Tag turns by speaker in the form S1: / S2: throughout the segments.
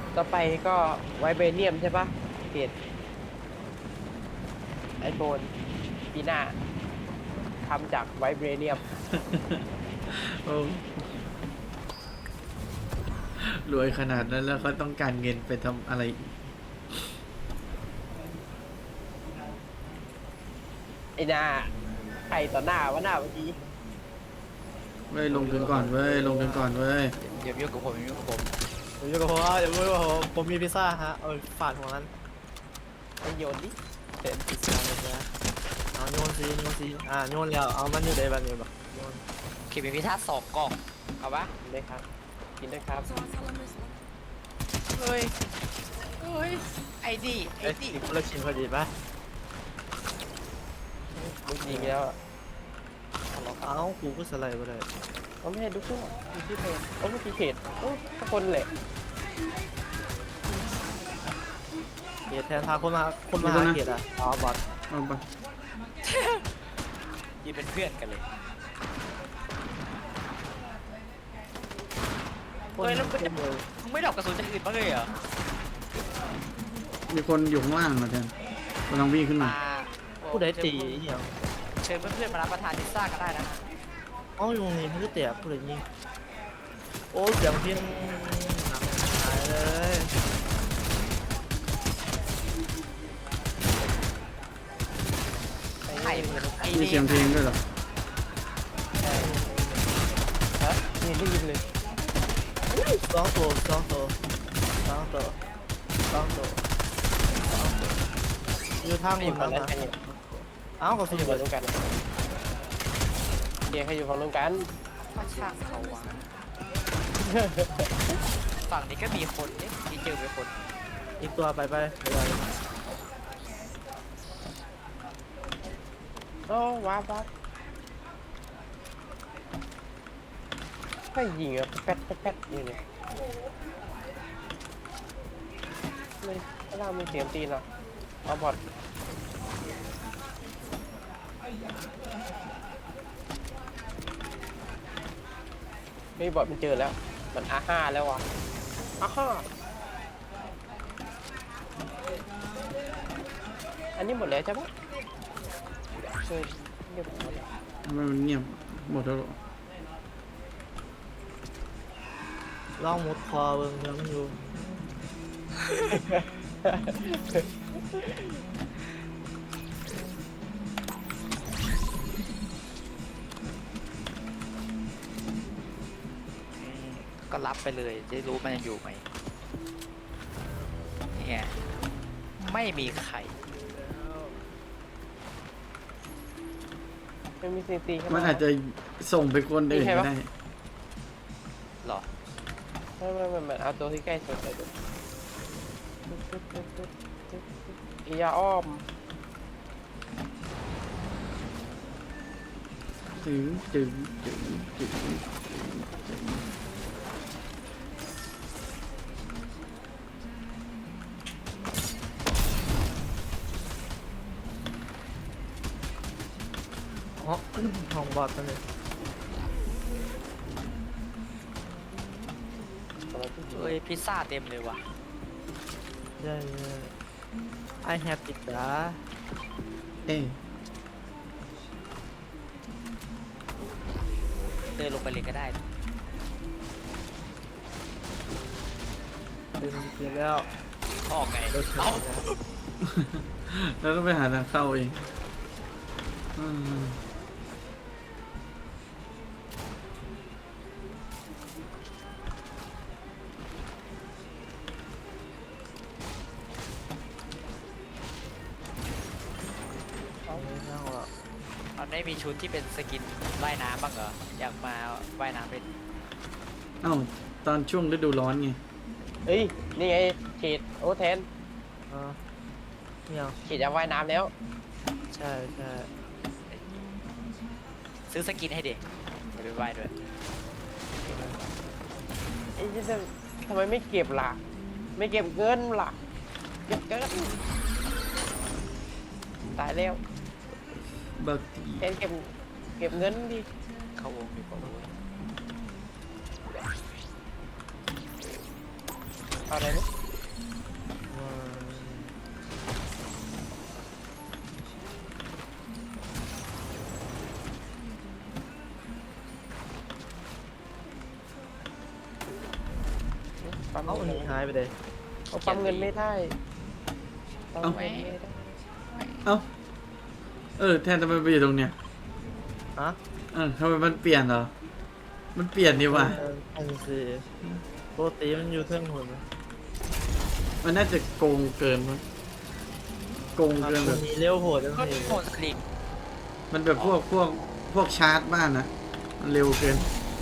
S1: ต่อไปก็ไวเบเนียมใช่ปะเกรดไอโฟนปีหน้าทำจากไวเบเนียม
S2: โอ้รวยขนาดนั้นแล้วเขาต้องการเงินไปทำอะไรอีก
S1: ไอหน้าใครต่อหน้าวะหน้าเมื่อกี้
S2: เว้ยลงทุนก่อนเว้ยลงทุนก่อนเว้ย
S3: อย่ายุ่งกับผมอย่ายุ่งกับผม
S4: ผมอยู่กับผมอย่าพูดว่าผมมีพิซซ่าฮะฝาดหัวนั้น
S1: ไอโยนดิ
S4: เป็นพิซซ่าเลยนะเอาโยนซีโยนแล้วเอามันอยู่ในแบบนี้แบบโยน
S3: ขีดเป็นพิซซ่า2 กล่อง
S1: เอาปะเลยครับ กินด้วยครับ
S3: เฮ้ยเฮ้ยไอ้ดิไอ้
S4: เอ้ย
S3: ดิ
S4: อีกคนละชิ้นพอดีป่ะ
S1: มึงยิงแล้ว
S4: เอ้ากูก็สไลด์ไปเลย
S1: เขาไม่ให้ดูขึ้นมีที่เพจโอ้ไม่มีเพจโอ้ทุกคนแหละ
S4: เกียรแทนพาคนมาหาเกียรอ๋อบอท
S2: เอาไป
S3: ยืนเป็นเพื่อนกันเลย เฮ้ยแล้วมันจะ มึงไม่ดอกกระสุนจากอื่นบ้างเลยเหรอ
S2: มีคนอยู่ข้างล่างนะแทนกำลังวิ่งขึ้นมา
S4: ผู้ใดตีเหี้ย
S3: เชิญเพื่อนๆมารับประทานพิซซ่ากันได้นะฮะ
S4: เอ้าอยู่นี่มันก็เตะผู้ใดยิงโอ้เสียงพินหนังหายเลย
S3: ไข่ไอ้
S2: มี
S3: นี่
S2: เสียงเพลงด้วยเหรอ
S1: ฮะนี่ได้ยินเลย
S4: สองตัวอยู่ทาง
S1: ไม่
S4: ห
S1: อ
S4: ม
S1: ยู่
S4: ด
S1: ฝั่ง
S4: แล้ว
S1: นั้น
S4: นะ
S1: ใครอยู่
S4: เอ้าก็
S1: เขา
S4: สุ
S1: อ
S4: ด
S1: ยู่
S4: เล
S1: ฝั่ง
S4: ย
S1: นู้นกันเดียเขาอยู่ฝั่งนู้นกัน
S3: มาช่างเขาวะฝั่งนี้ก็มีคนเนี่ยที่เจอเป็นคน
S4: อีกตัวไป
S1: โอ้ว้าวให้ยิงอะแป๊ดอยู่เนี่ยไม่ถ้าเรามีเสียงตีนเหรอเอาบอดไม่บอดมันเจอแล้ว มันอาห้าแล้ววะอาห้าอันนี้หมดแล้วใช่ปะเรียบร้อยแล้ว
S2: ทำไมมันเงียบหมดแล้วเหรอ
S4: ลองมุดคอเบิ่งยังอยู่
S3: ก็รับไปเลยจะรู้มันยังอยู่ไหมเนี่ยไม่มีใคร
S1: ไม่มีซีซีเข้า
S2: มัน
S1: มา
S2: อาจจะส่งไปคนอื่นก็ได้
S3: หรอ
S1: ไม่เอาตัวที่ใกล้สุดไปดูยาอ้อม
S2: จึงจึงจึงจึง
S4: อ๋อห้องบอทนั่นเลย
S3: เฮ้ยพิซซ่าเต็มเลยว่ะ
S4: ใช่I have pizza
S2: เอ้ย
S3: เดินลงไปเลยก็ได้
S4: เดินเสร็จแล้ว
S3: ออกไง
S4: เดิน
S3: เอ้า
S2: แล้วต้องไปหาทางเข้าเองอืม
S4: นั่งละ
S3: มันไม่มีชุดที่เป็นสกินว่ายน้ำบ้างเหรอ อยากมาว่ายน้ำเป็น
S2: เอ้าตอนช่วงฤดูร้อนไง
S1: เฮ้ย นี่ไงเขตโอแทน
S4: เนี่ย
S1: เขตจะว่ายน้ำแล้ว
S4: ใช่
S3: ซื้อสกินให้เด็กเดี๋ยวไปว่ายด้วย
S1: ไอ้ที่ทำไมไม่เก็บล่ะ ไม่เก็บเงินล่ะ เก็บเงินตายแล้ว
S2: บักตี
S1: แทนเก็บเงินดิ
S3: เข้าวงดีกว่าเว้ย
S1: เอาอะไรนะปั๊ม
S4: เอ้า
S1: เงิ
S4: มัน
S1: น
S4: หายไปเลย
S1: เอาปั๊มเงินไม่ได้ปั๊มเงินไม่ได้
S2: เอ้าแทนทำไมไปอยู่ตรงเนี้ย
S4: ฮะ
S2: ทำไมมันเปลี่ยนเหรอมันเปลี่ยนดีว่ะ
S4: อันสี่ปกติมันอยู่เครื่องหุ่น
S2: มันน่าจะโกงเกินมั้งโกงเกินแบบ
S4: มีเลี้ยวโหดจัง
S3: ก็
S4: เลย
S3: โหดสลิง
S2: มันแบบพวกชาร์จบ้านนะมันเร็วเกิน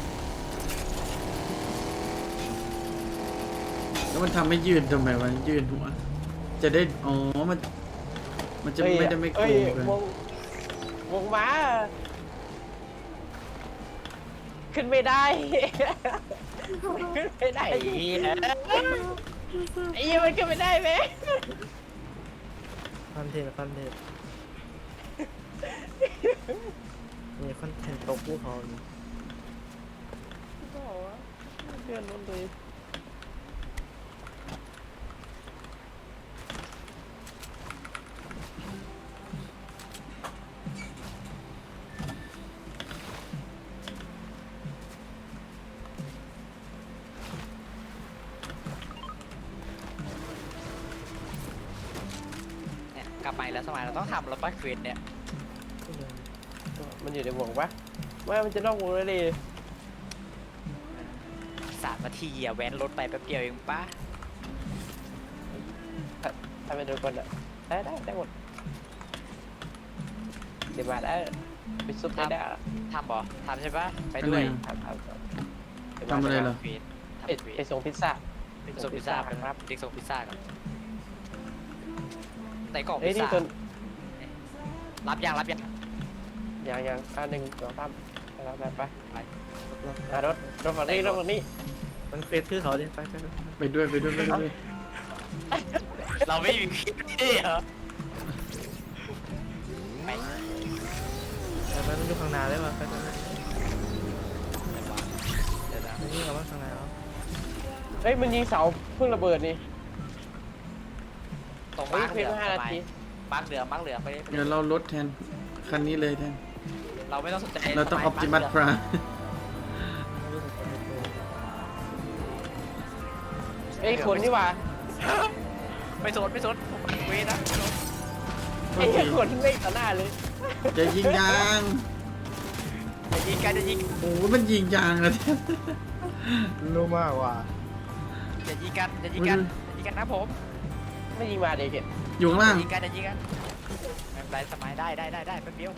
S2: แล้วมันทำให้ยืนทำไมวะยืนหัวจะได้มันจะไม่ได้ไม่โก
S1: เอ้ย
S2: งเกิน
S1: วงม้าขึ้นไม่ได้ ขึ้นไม่ได้
S3: ไอ้เหี้ย
S1: ไอ้เหี้ยมันขึ้นไม่ได้ไหม
S4: คอนเทนต์นี่คอนเทนต์ตกภูเขานี่
S1: เลื่อนรถเลย
S3: เนี่ยกลับมาอีกแล้วสมัยเราต้องทำแล้วป้าเควสเนี่ย
S1: มันอยู่ในวงปะไม่มันจะนอกวงเลยดิ
S3: 3 นาทีอะแว้นรถไปแป๊บเดียวเองป้า
S1: ทำไปโดนคนอ่ะได้หมดเดี๋ยวมาได้ไปซุปได้ได้
S3: ทำบ่ทำใช่ปะไปด้วย
S1: ทำ
S2: ทำอะไรเหรอ
S3: เควสทำ
S1: ไป
S3: เคว
S1: ไป
S3: ส
S1: ส่งพิซซ่า
S3: ส่งพิซซ่าไปครับเด็กส่งพิซซ่ากันไหนกล่อง
S1: เอ้
S3: พิ
S1: ย
S3: ซ
S1: นี่
S3: ซ่า
S1: ตัว
S3: รับยัง
S1: ยัง1 2 3ไปรถฝั่งนี้
S4: มันเฟซคือเขาดิไป
S2: ไปด้วย
S3: เราไม่มีคลิปนี่เหรอไป
S4: มันอยู่ข้างหน้าได้ป่ะไป
S3: เดี๋ยวนะ
S4: นี่กับว่าข้างหน้า
S1: เฮ้ยมันยิงเสาเพิ่งระเบิดนี่
S3: ตรง
S1: เฮ้ย
S3: มาร์ก
S1: เพี
S3: เห
S1: ย
S3: ลื
S1: ง
S3: อง
S1: 5 นาที
S3: มาร์กเหลืองไปเลย
S2: เดี๋ยวเราลดแทนคันนี้เลยแทน
S3: เราไม่ต้องสนใจ
S2: เราต้องออ p ติมัสพรา
S1: เฮ้ยคนนี่หว่า
S3: ไม่สนผมไปเวทนะ
S1: ไอ้คนไม่ต่อหน้าเลย
S2: จะยิงยาง
S3: จะยิงกัน
S2: โอ้มันยิงยางอะแทน
S4: รู้มากว่า
S3: จะยิงกันนะผม
S1: ไม่ยิงมาเด็ก
S2: อยู่ข้างล่าง
S3: ยิงกันไม่เป็นไรสมัยได้แป๊บเดียว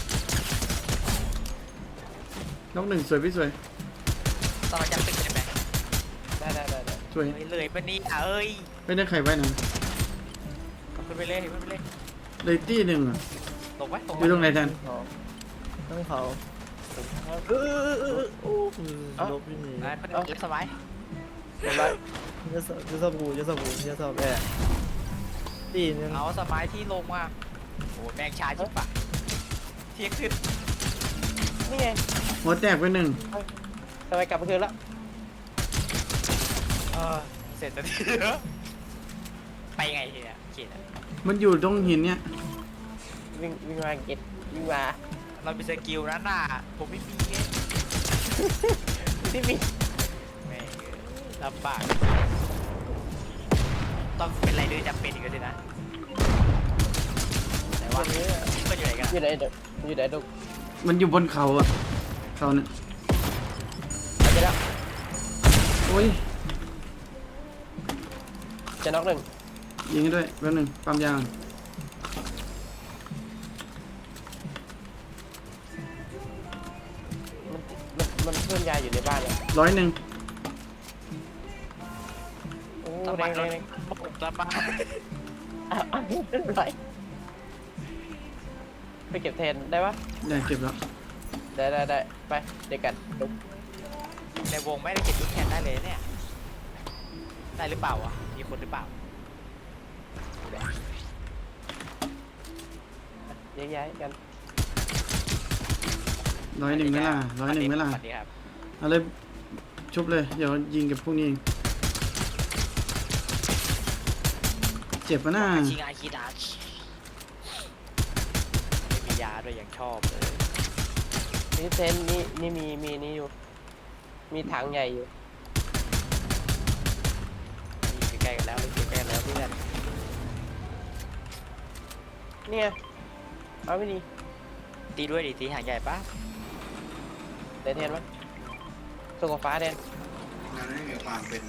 S2: น้องหนึ่งสวยพี่สวย
S3: ตอนเราจำตึกใช่ไหม
S1: ได้
S2: สวย
S3: เลยปะนี่เอ้ย
S2: ไม่ได้ใครไว้นะ
S3: ขึ้นไปเลย
S2: เลยตี้หนึ่งอะ
S3: ลงไว้
S2: อยู่ตรงไหนแทน
S4: ต้องเขาลบที่นี่
S3: เป็นเล็กสมัย
S4: จะสบู่แอบตีนึง
S3: เอาสมัยที่ลงมาโอ้แมงชาชิบปะเที่ยงขึ้น
S1: นี่ไง
S2: หัวแตกไปหนึ่ง
S1: ทำไมกลับมาคืนแล้ว
S3: เสร็จแล้วไปไงทีเนี่ยเขียน
S2: มันอยู่ตรงหินเนี่ย
S1: วิ่งมาเก็ตวิ่งมา
S3: เรามีสกิลนั้นน่ะผมไม่มีไง
S1: ที่มี
S3: แม่งลำบากต้องเป็นไรด้วยจำเป็นอีกแล้วสินะแต่ว่าก็อยู่ไหนกัน
S1: อยู่ไหนเด็กอยู่ไหนลูก
S2: มันอยู่บนเขาอะเขาเนี่ย
S1: ไปแล้ว
S2: โอ้ย
S1: จะน็อกหนึ่ง
S2: ยิงให้ด้วยแป๊บหนึงปั๊มยาง
S1: มันเพิ่มยาอยู่ในบ้านเลย
S2: 100
S1: โอ้
S3: ต้อง
S1: แร
S3: มาง รถ
S1: แรง
S3: ลำบาก
S1: ไรไปเก็บแทนได้ปะ
S2: ได้เก็บแล้ว
S1: ได้ไปเด็กกันลุก
S3: ในวงไม่ได้เก็บลูกแคนได้เลยเนี่ยได้หรือเปล่าวะมีคนหรือเปล่า
S1: ย้ายกัน
S2: 101ไหมล่ะ101ไหมล่ะ
S3: สวัสดีครับ
S2: เอาเลยชุบเลยเดี๋ยวยิงกับพวกนี้เองเจ็บปะน่า
S3: ชิงอาคิดาชไม่มียาด้วยอย่างชอบเลย
S1: นี่เทนนี่มีนี่อยู่ มีถังใหญ่อยู่
S3: ใกล้กันแล้วอยู่ใกล้กันแล้วเพื่อน
S1: เนี่ยเอาไม่ดี
S3: ตีด้วยดิตีหางใหญ่ปะ
S1: เดนเทนมั้ยส่งกับฟ้าเดน
S5: มันไม่มีความเป็น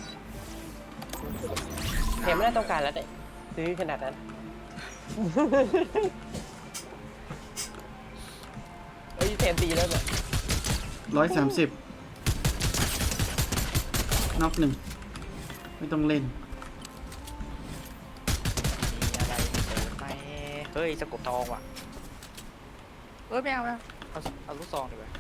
S1: เทนไม่ได้ต้องการแล้วเด็ซื้อขนาดนั้น เอ้ยเทนตีแล้วเนี่ย
S2: 130น็อกหนึ่งไม่ต้องเล่น
S3: มีอะไรเสริมไหมเฮ้ยสกบทองว่ะเอ้ยไม่เอาเอาลูกซองดีกว่า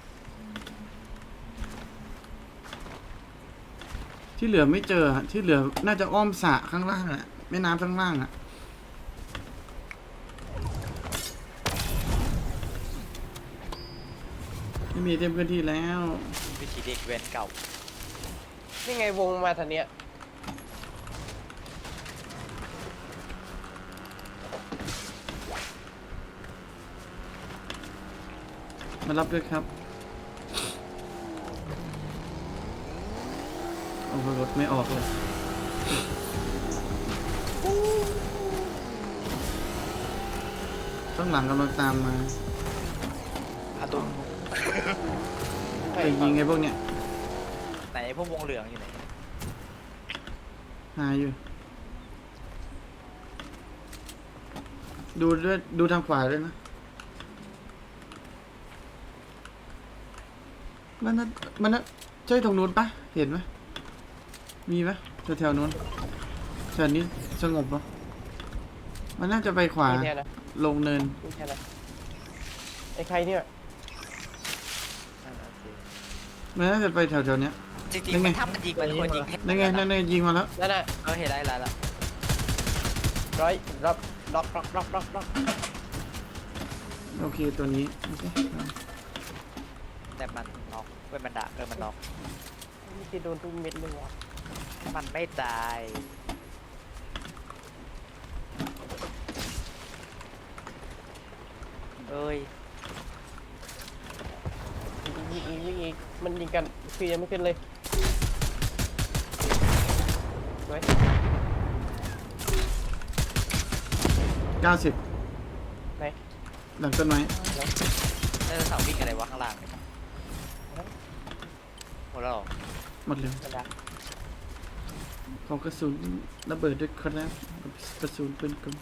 S2: ที่เหลือไม่เจออะที่เหลือน่าจะอ้อมสระข้างล่างอะแม่น้ำข้างล่างอะไม่มีเต็มพื้นที่แล้ว
S3: วิธีเด็กเวนเก่า
S1: นี่ไงวงมาทางเนี้ย
S2: มารับด้วยครับโอ้โหรถไม่ออกเลยข้างหลังกำลังตามมา
S3: อาตุ้ม
S2: ไปยิงไอ้พวกเนี้ย
S3: ไหนพวกวงเหลืองอยู่ไหน
S2: หาอยู่ ดูด้วยดูทางขวาด้วยนะมันน่ะใช่ตรงนู้นปะเห็นไหมมีปะแถวๆนู้นแถวนี้สงบปะมันน่าจะไปขวา
S1: มีแทนนะ
S2: ลงเนิน
S1: มีแทนนะไอ้ใครเนี่ย
S2: มันน่าจะไปแถวๆเนี้ย
S3: จริง
S2: ยัง
S3: ๆ
S2: ไง
S3: มันทำมันยิงมันควรยิง
S2: นั่นไงนั่นไงยิงมาแล้ว
S1: นั่นน่ะ
S3: เห็นได้แล้ว
S1: ร้อยรับล็อกล็อกล็อกล็อกล็อก
S2: โอเคตัวนี้โอเค
S3: แต่มันน็อกเป็นมันด่ามันน็อก
S1: นี่จะโดนทุกเม็ดเลยวะ
S3: มันไม่ตายเอ้ย
S1: ยิงมันยิงกันคือยังไม่ขึ้นเลยไว้
S2: 90
S1: ไหน
S2: หลังต้นไม้
S3: แล้วเสาวิ่งอะไรวะข้างล่างเนี่ยหมดแล้วเหรอ
S2: หมดเลย
S1: กระดาษ
S2: ขอกระสุนระเบิดด้วยครับกระสุนปืนกล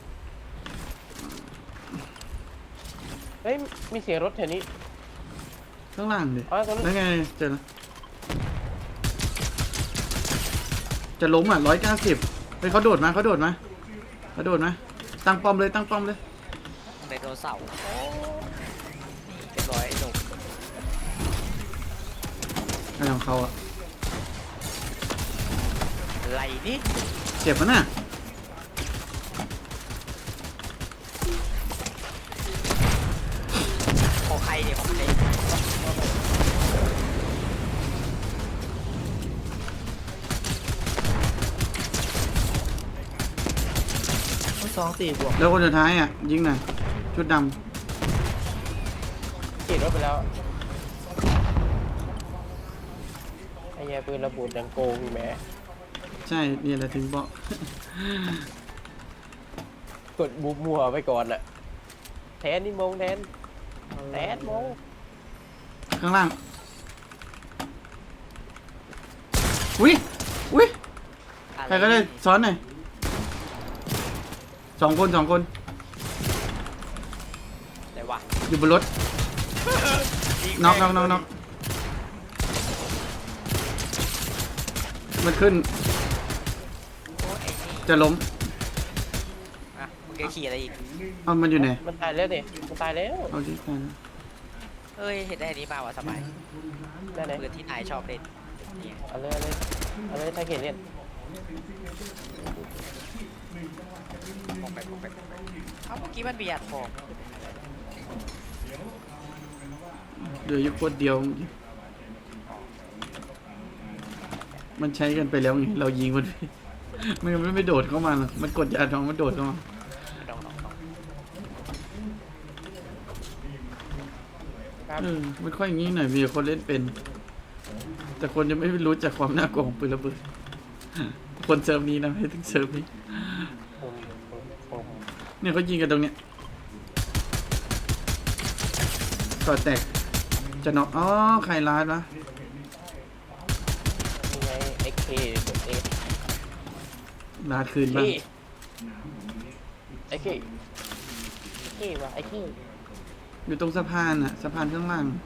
S1: เฮ้ยมีเสียงรถแถวนี้
S2: ข้างล่างดิ
S1: อ๋อตรงนั้น
S2: นั่นไงเจอแล้วจะล้มอ่ะ190เฮ้ยเขาโดดมาตั้งป้อมเลย
S3: ไดโนเสาร์เรียบร้อยไอ้หนุ่ม
S2: อะไรของเขาอ่ะ
S3: อะไรนี่
S2: เจ็บมั้ยน่ะ
S3: ของใครเนี่ยของใคร
S4: ทั้งสองตีบวก
S2: แล้วคนสุดท้ายอ่ะยิงหน่อยชุดด
S1: ขี่รถไปแล้วไอ้แย่ปืนระเบิดดังโกงแหม
S2: ำใช่นี่แหละถึงบอก
S1: กดบุบมัวไปก่อนอะแทนนี่มงแทนมง
S2: ข้างล่างอุ้ยใครก็ได้ซ้อนหน่อยสองคน
S3: ไหนวะ
S2: อยู่บนรถน็อกมันขึ้น
S3: โอ้ไอ้นี่
S2: จะล้ม
S3: อ่ะมึงจะขี่อะไรอีก
S2: เอามันอยู่ไหน
S1: มันตายแล้วดิมันตายแล้ว
S2: เอาดิตายแล้ว
S3: เอ้ยเห็นได้อันนี้มาวะสบาย
S1: ได้ไหน
S3: ปืนที่นายชอบเล่นนี่
S1: เอาเลยถ้าเขียนเล่น
S3: มองไปเอ้าเมื่อกี้มันมีอัดฟอง
S2: เหลืออยู่คนเดียว มันใช้กันไปแล้วไงเรายิงมัน มันไม่โดดเข้ามาหรอกมันกดยาทองมันโดดเข้ามา
S3: ดอง
S1: ครับ
S2: มันค่อยอย่างนี้หน่อยมีคนเล่นเป็น แต่คนจะไม่รู้จักความน่ากลัวของปืนระเบิดคนเซิร์ฟนี้นะไม่ถึงเซิร์ฟนี้
S1: ผม
S2: เนี่ยเขายิงกันตรงเนี้ยก่อแตกจะน็อกอ๋อใครลาดวะ
S1: ยังไงเอ็กเคเอ็ก
S2: ลาดคืนบ้าง
S1: ไอ้เควะไอ้เค
S2: อยู่ตรงสะพานอะสะพานข้างล่าง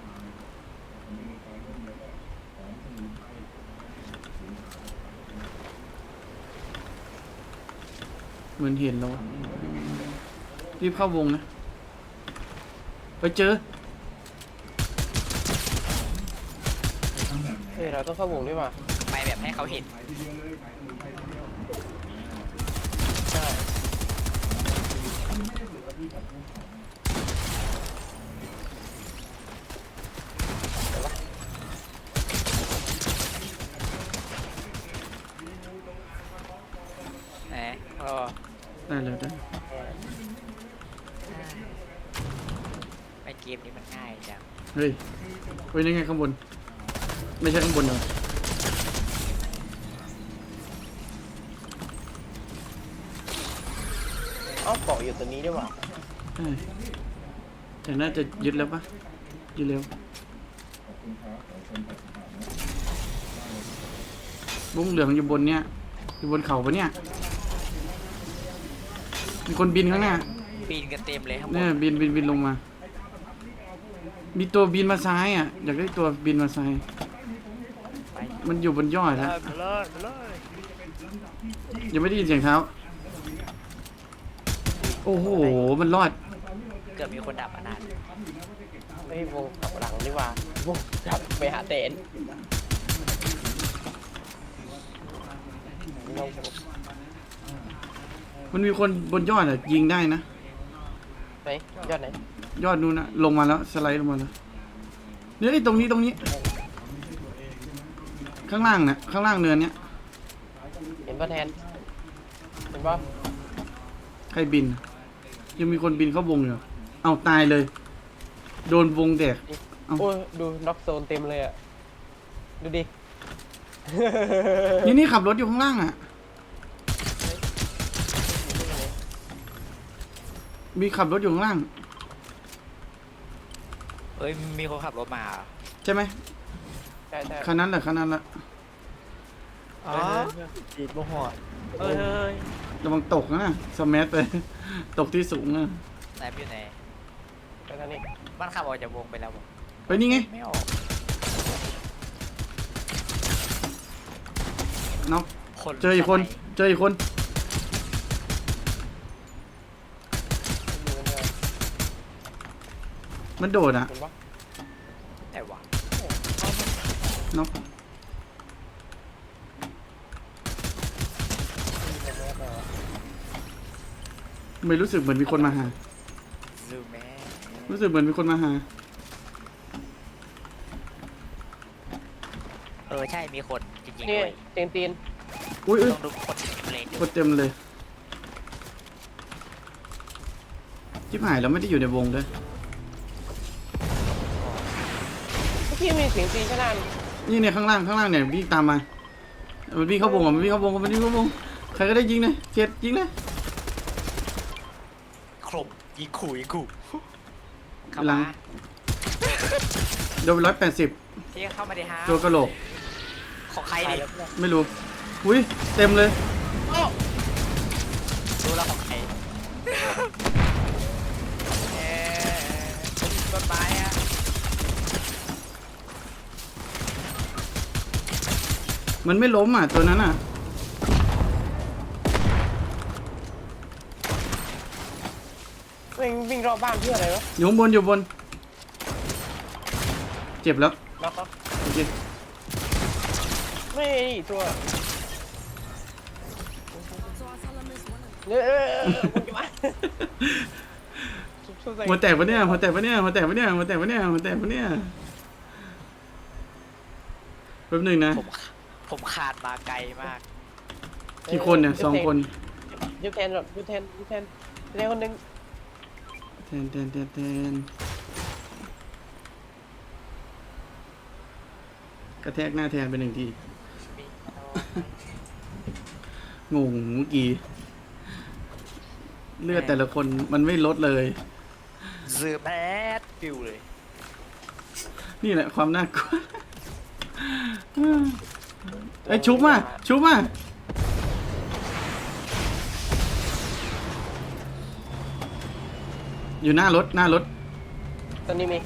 S2: เหมือนเห็นแล้วอะรีบเข้าวงนะไปเจอ
S1: เฮ้ยเราต้องเข้าวงด้วยว่ะ
S3: ไปแบบให้เขาเห็น
S1: ใช่
S3: แหมก็
S2: ได้เลยได้
S3: ไอเกมนี้มันง่ายจัง
S2: เฮ้ยเฮ้ยนี่ไงข้างบนไม่ใช่ข้างบนเหรอ
S1: เอ้าเกาะอยู่ตัวนี้ด้วยว่ะ
S2: ใช่แต่น่าจะยึดแล้วปะยึดเร็วบุ้งเหลืองอยู่บนเนี้ยอยู่บนเขาปะเนี่ยมีคนบินข้างหน้า
S3: ปีนกันเต็มเลยข้างบ
S2: เนี่ย
S3: น
S2: บินลงมา มีตัวบินมาซ้ายอ่ะอยากได้ตัวบินมาซ้าย
S3: ไป
S2: มันอยู่บนยอดแล้ว
S3: ไปเลยไปเลย
S2: ยังไม่ได้ยินเสียงเท้าโอ้โหมันรอด
S3: เกือบมีคนดับอนาถ
S1: ไม่วงกลับหลังดีกว่าวงกลับไปหาเตนเรา
S2: มันมีคนบนยอดอ่ะยิงได้นะ
S1: ไหนยอดไหน
S2: ยอดนู้นนะลงมาแล้วสไลด์ลงมาแล้วเนี่ยไอ้ตรงนี้ข้างล่างน่ะข้างล่างเนินเนี้ย
S1: เห็นป่ะแทนเห็นป่ะ
S2: ใครบิน ยังมีคนบินเข้าวงอยู่เอาตายเลย โดนวงแดก เอ้า
S1: โอ้ยดูน็อกโซนเต็มเลยอ่ะดูดิ
S2: นี่ขับรถอยู่ข้างล่างอ่ะ มีขับรถอยู่ข้างล่าง
S3: เอ้ยมีคนขับรถมาเหรอ
S2: ใช่ไหม
S1: ใช่ใช่
S2: คันนั้นแหละคันนั้นแหละ
S4: อ๋อจีบบ่หอดเฮ้ย
S2: ระวังตกนะสแมัไป ตกที่สูงนะ
S3: ไหนอยู่ไหน
S1: ไปทางนี้
S3: มันขับออกจากวงไปแล้วบอก
S2: ไปนี่ไง
S3: ไม่ออก
S2: น็อก
S3: คน
S2: เจออีกคน
S3: สมัย
S2: เจออีกคน
S1: ดูกันเลย
S2: มันโดดอ่ะ
S1: เห็นป่ะ
S3: แต่ว่า
S2: น็อกไม่รู้สึกเหมือนมีคนมาหา
S3: ซูแม่
S2: รู้สึกเหมือนมีคนมาหา
S3: ใช่มีคนจริงๆ
S1: นี่
S3: ด้วย
S1: เตียงตีน
S2: อุ้ย
S3: ต้องดูคนเลน
S2: คนเต็มเลยชิบหายแล้วไม่ได้อยู่ในวงด้วย
S1: เมื่อกี้มีเสียงตีนข้างหน้า
S2: นี่เนี่ยข้างล่างเนี่ยวิ่งตามมา มันวิ่งเข้าวงอ่ะมันวิ่งเข้าวงมันวิ่งเข้าวงใครก็ได้ยิงเลยเจ็ดยิงเลย
S3: ครบยิงขู่เข้า
S2: หลั
S3: มาง
S2: โดนไป180
S3: ที่เข้ามาดิฮะ
S2: ตัวกระโหลก
S3: ของใคร
S1: ตาย
S3: ดิ
S1: แล้ว
S2: ไม่รู้อุ้ยเต็มเลย
S3: รู้แล้วของใครต้นไม้อะ
S2: มันไม่ล้มอ่ะตัวนั้นอ่ะ
S1: วิ่งรอบบ้านเพื่ออะไรวะ
S2: อยู่ข้างบนอยู่บน เจ็บแล้ว
S1: น็อกเขา
S2: โอเค
S1: ไม่ตัวคุณจะมาสู้ๆใส่
S2: หัวแตกปะเนี่ยหัวแตกปะเนี่ยหัวแตกปะเนี่ยหัวแตกปะเนี่ยหัวแตกปะเนี่ยแป๊บหนึงนะ
S3: ผมขาดมาไกลมาก
S2: กี่คนเนี่ย2 คน
S1: ยุบแทนหรอยุบแทนคนหนึง
S2: แทนกระแทกหน้าแทนไป1 ทีงงเมื่อกี้ เลือดแต่ละคนมันไม่ลดเลย
S3: เสือแบดฟิวเลย
S2: นี่แหละความน่ากลัวไอ้ยชุบมาชุบมาอยู่หน้ารถหน้ารถ
S1: ตอนนี้มี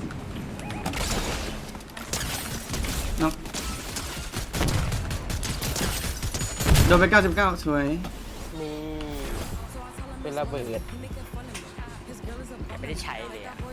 S2: เนาะโดนไป99สวย
S1: มีเป็นระเบิด
S3: ไม่ได้ใช้เลยอ่ะ